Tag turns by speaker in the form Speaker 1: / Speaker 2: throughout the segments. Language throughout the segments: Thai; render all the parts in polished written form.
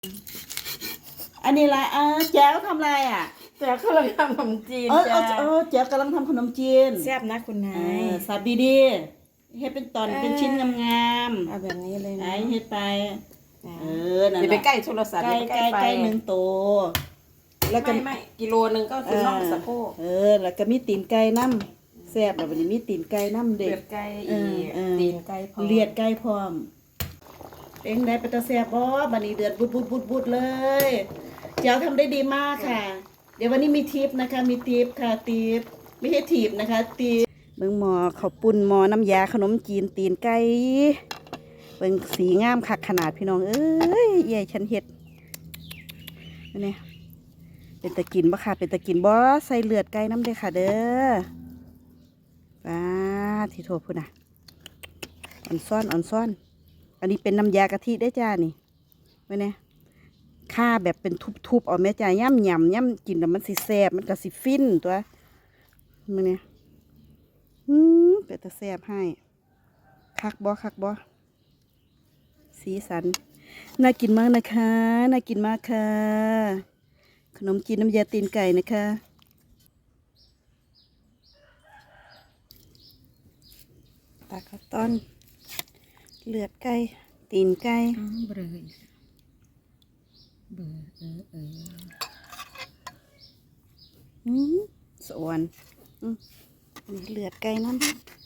Speaker 1: อันนี้อะไรแจ๋วทำอะไรอ่ะ
Speaker 2: แจ๋วกำลังทำขนมจีนจ้า
Speaker 1: แจ๋วกำลังทำขนมจีน
Speaker 2: แซ่บนะคุณนาย
Speaker 1: สับดีๆให้เป็นตอนเป็นชิ้นงาม
Speaker 2: ๆเอาแบบนี้เลยนะ
Speaker 1: เฮ็ดไปนั่นแหละ
Speaker 2: อย่าไปใกล้โทรศัพท์
Speaker 1: ใกล้หนึ่งตัว
Speaker 2: แล้วก็ไม่กิโลนึงก็คือน่องสะโพก
Speaker 1: แล้วก็มีตีนไก่น้ำแซ่บแล้ววันนี้มีตีนไก่น้ำเด็ก
Speaker 2: เลือดไก่อีตีนไก่พร้อม
Speaker 1: เลียดไก่พร้อมเป็นได้เป็นตาแซ่บบ่บัดนี้เดือดบุดเลยเจ้าทำได้ดีมากค่ะเดี๋ยววันนี้มีทิปนะคะมีทิปค่ะทิปไม่ใช่ทิปนะคะทิปเบิ่งหม้อข้าวปุ้นหม้อน้ำยาขนมจีนตีนไก่เบิ่งสีงามคักขนาดพี่น้องเอ้ยใหญ่ฉันเฮ็ดนี่เป็นตะกินบ่ค่ะเป็นตะกินบ่ใส่เลือดไก่น้ำเด้อค่ะเด้อที่โทษพุ่นน่ะอ่อนซ่อนอันนี้เป็นน้ำยากะทิได้จ้านี่ไว้เนี่ยข้าแบบเป็นทุบๆเอาแม่จ้าย่ำกินแล้วมันสิแซ่บมันก็สิฟินตัวมันเนี่ยเป็นตะแซ่บให้คักบ่สีสันน่ากินมากนะคะน่ากินมากค่ะขนมจีนน้ำยาตีนไก่นะคะตาข้าวต้นเลือดไก่ตีนไก่
Speaker 2: เบอ
Speaker 1: สวนนี่เลือดไก่น้ำ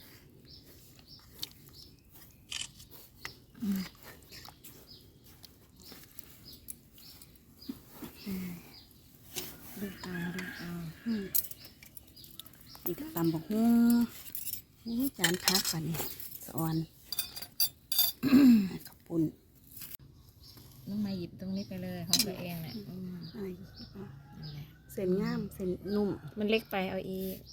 Speaker 1: นี่ก็ตำบักหุ่งจานคักก่อนนี่สวนขอบคุณ
Speaker 2: น้องมาหยิบตรงนี้ไปเลยของตัวเองเนี่ย
Speaker 1: เส้นงามเส้นนุ่ม
Speaker 2: มันเล็กไปเอาอีก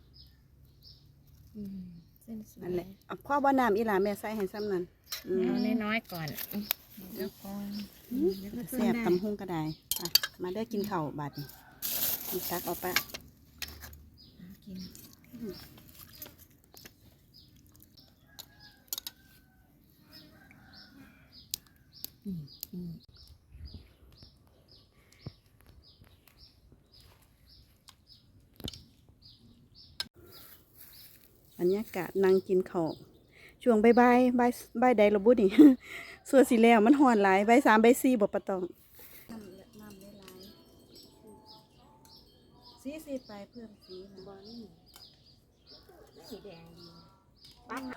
Speaker 2: เส้น
Speaker 1: นั่นแหละพ่อบ่น้ำอีหลาแม่ใส่ให้ซ้ำนั่น
Speaker 2: เอาน้อยๆก่อนแล้วก็
Speaker 1: แซ่บตำหุ่งก็ได้มาได้กินข้าวบาดนี่ตักเอาปะ
Speaker 2: กิน
Speaker 1: บรรยากาศนั่งกินข้าวช่วงบ่ายใดระบุนี่ ส่วนสีแล้วมันห่อนหลายบ่าย3บ่าย4บ่ปะตองน้ำหลายสีไปเพิ่มสีบอนี่
Speaker 2: สีแดงดีปั้น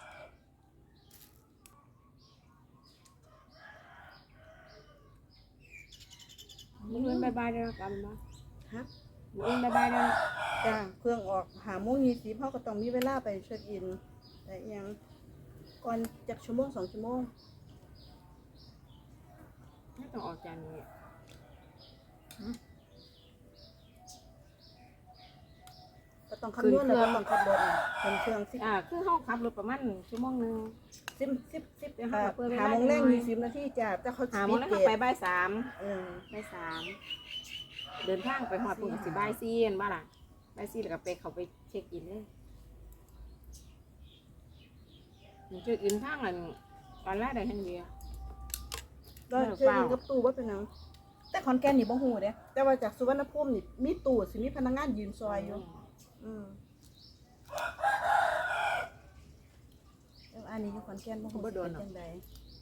Speaker 2: มึงเล่นบายๆเลยกันมั้ย
Speaker 1: ฮะ
Speaker 2: มึงเล่นบายๆเลย
Speaker 1: จ้าเครื่องออก5:20เขาก็ต้องมีเวลาไปเช็คอินแต่ยังก่อนจากชั่วโมง2 ชั่วโมง
Speaker 2: ไม่ต้องออกจากนี้
Speaker 1: ก็ต้องคำนวณแล้วก็ต้องขับรถเป็นเครื่อง
Speaker 2: คือเขาขับรถประมาณชั่วโมงนึง
Speaker 1: 10เดี๋ยวเขาเปิด5 โมงแรก20 นาทีจ้าแต่เขา
Speaker 2: 5 โมงแล้วเขาไปบ่าย 3บ่าย 3เดินทางไปหอดปุ่นกับสิบ่าย 4เห็นบ้าล่ะบ่าย 4แล้วก็ไปเขาไปเช็คอินเลยเช็คอินทางอันแรกได้ทั้งเดียว
Speaker 1: ก็เช็คอินกับตู้ว่าเป็นหนังแต่ขอนแก่นนี่บ่ฮู้เด้แต่ว่าจากสุวรรณภูมินี่มีตู้สิมีพนักงานยืนซอยอยู่อันนี้อยู่ขอนแก่นบ่ฮู้ว่าเป็นจังได๋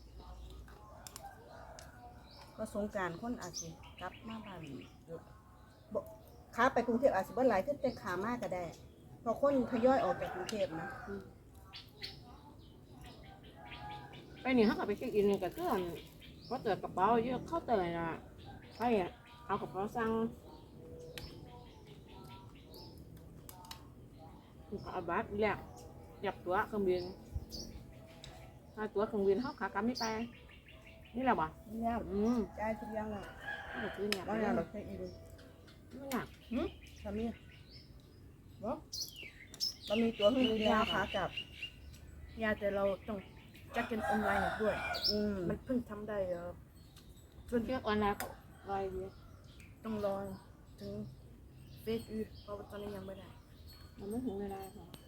Speaker 1: ก็สงกรานต์คนอาจสิกลับมาบ้านบ่ขาไปกรุงเทพอาจสิบ่หลายคือแต่ขามาก็ได้เพราะคนทยอยออกจากกรุงเทพนะ
Speaker 2: ไปนี่เขาก็ไปเช็คอินกับเพื่อนเขาเจอกระเป๋าเยอะเขาเจอน่ะใช่เอากระเป๋าสั่งเอาบัตรแลกจับตัวเครื่องบินถ้าตัวเครื่องบินเขาขากลับไม่ไปนี่แหละบ่
Speaker 1: เนี่ยจ่ายทุกอย่างแล้ว
Speaker 2: ก็ซื้อเนี่ย
Speaker 1: บ่อยากเราเช็คอิน
Speaker 2: ไม่อยาก
Speaker 1: ทำนี่บ่เรามีตัวเครื่องบินขากลับยาแต่เราต้องจัดกันออนไลน์ด้วยมันเพิ่งทำได้
Speaker 2: ส่วนเรื่องออนไลน์รอยเดียว
Speaker 1: ต้องรอถึงเฟซเพราะว่าตอนนี้ยังไม่ได้
Speaker 2: มันไม่ถึงเวลาค่ะ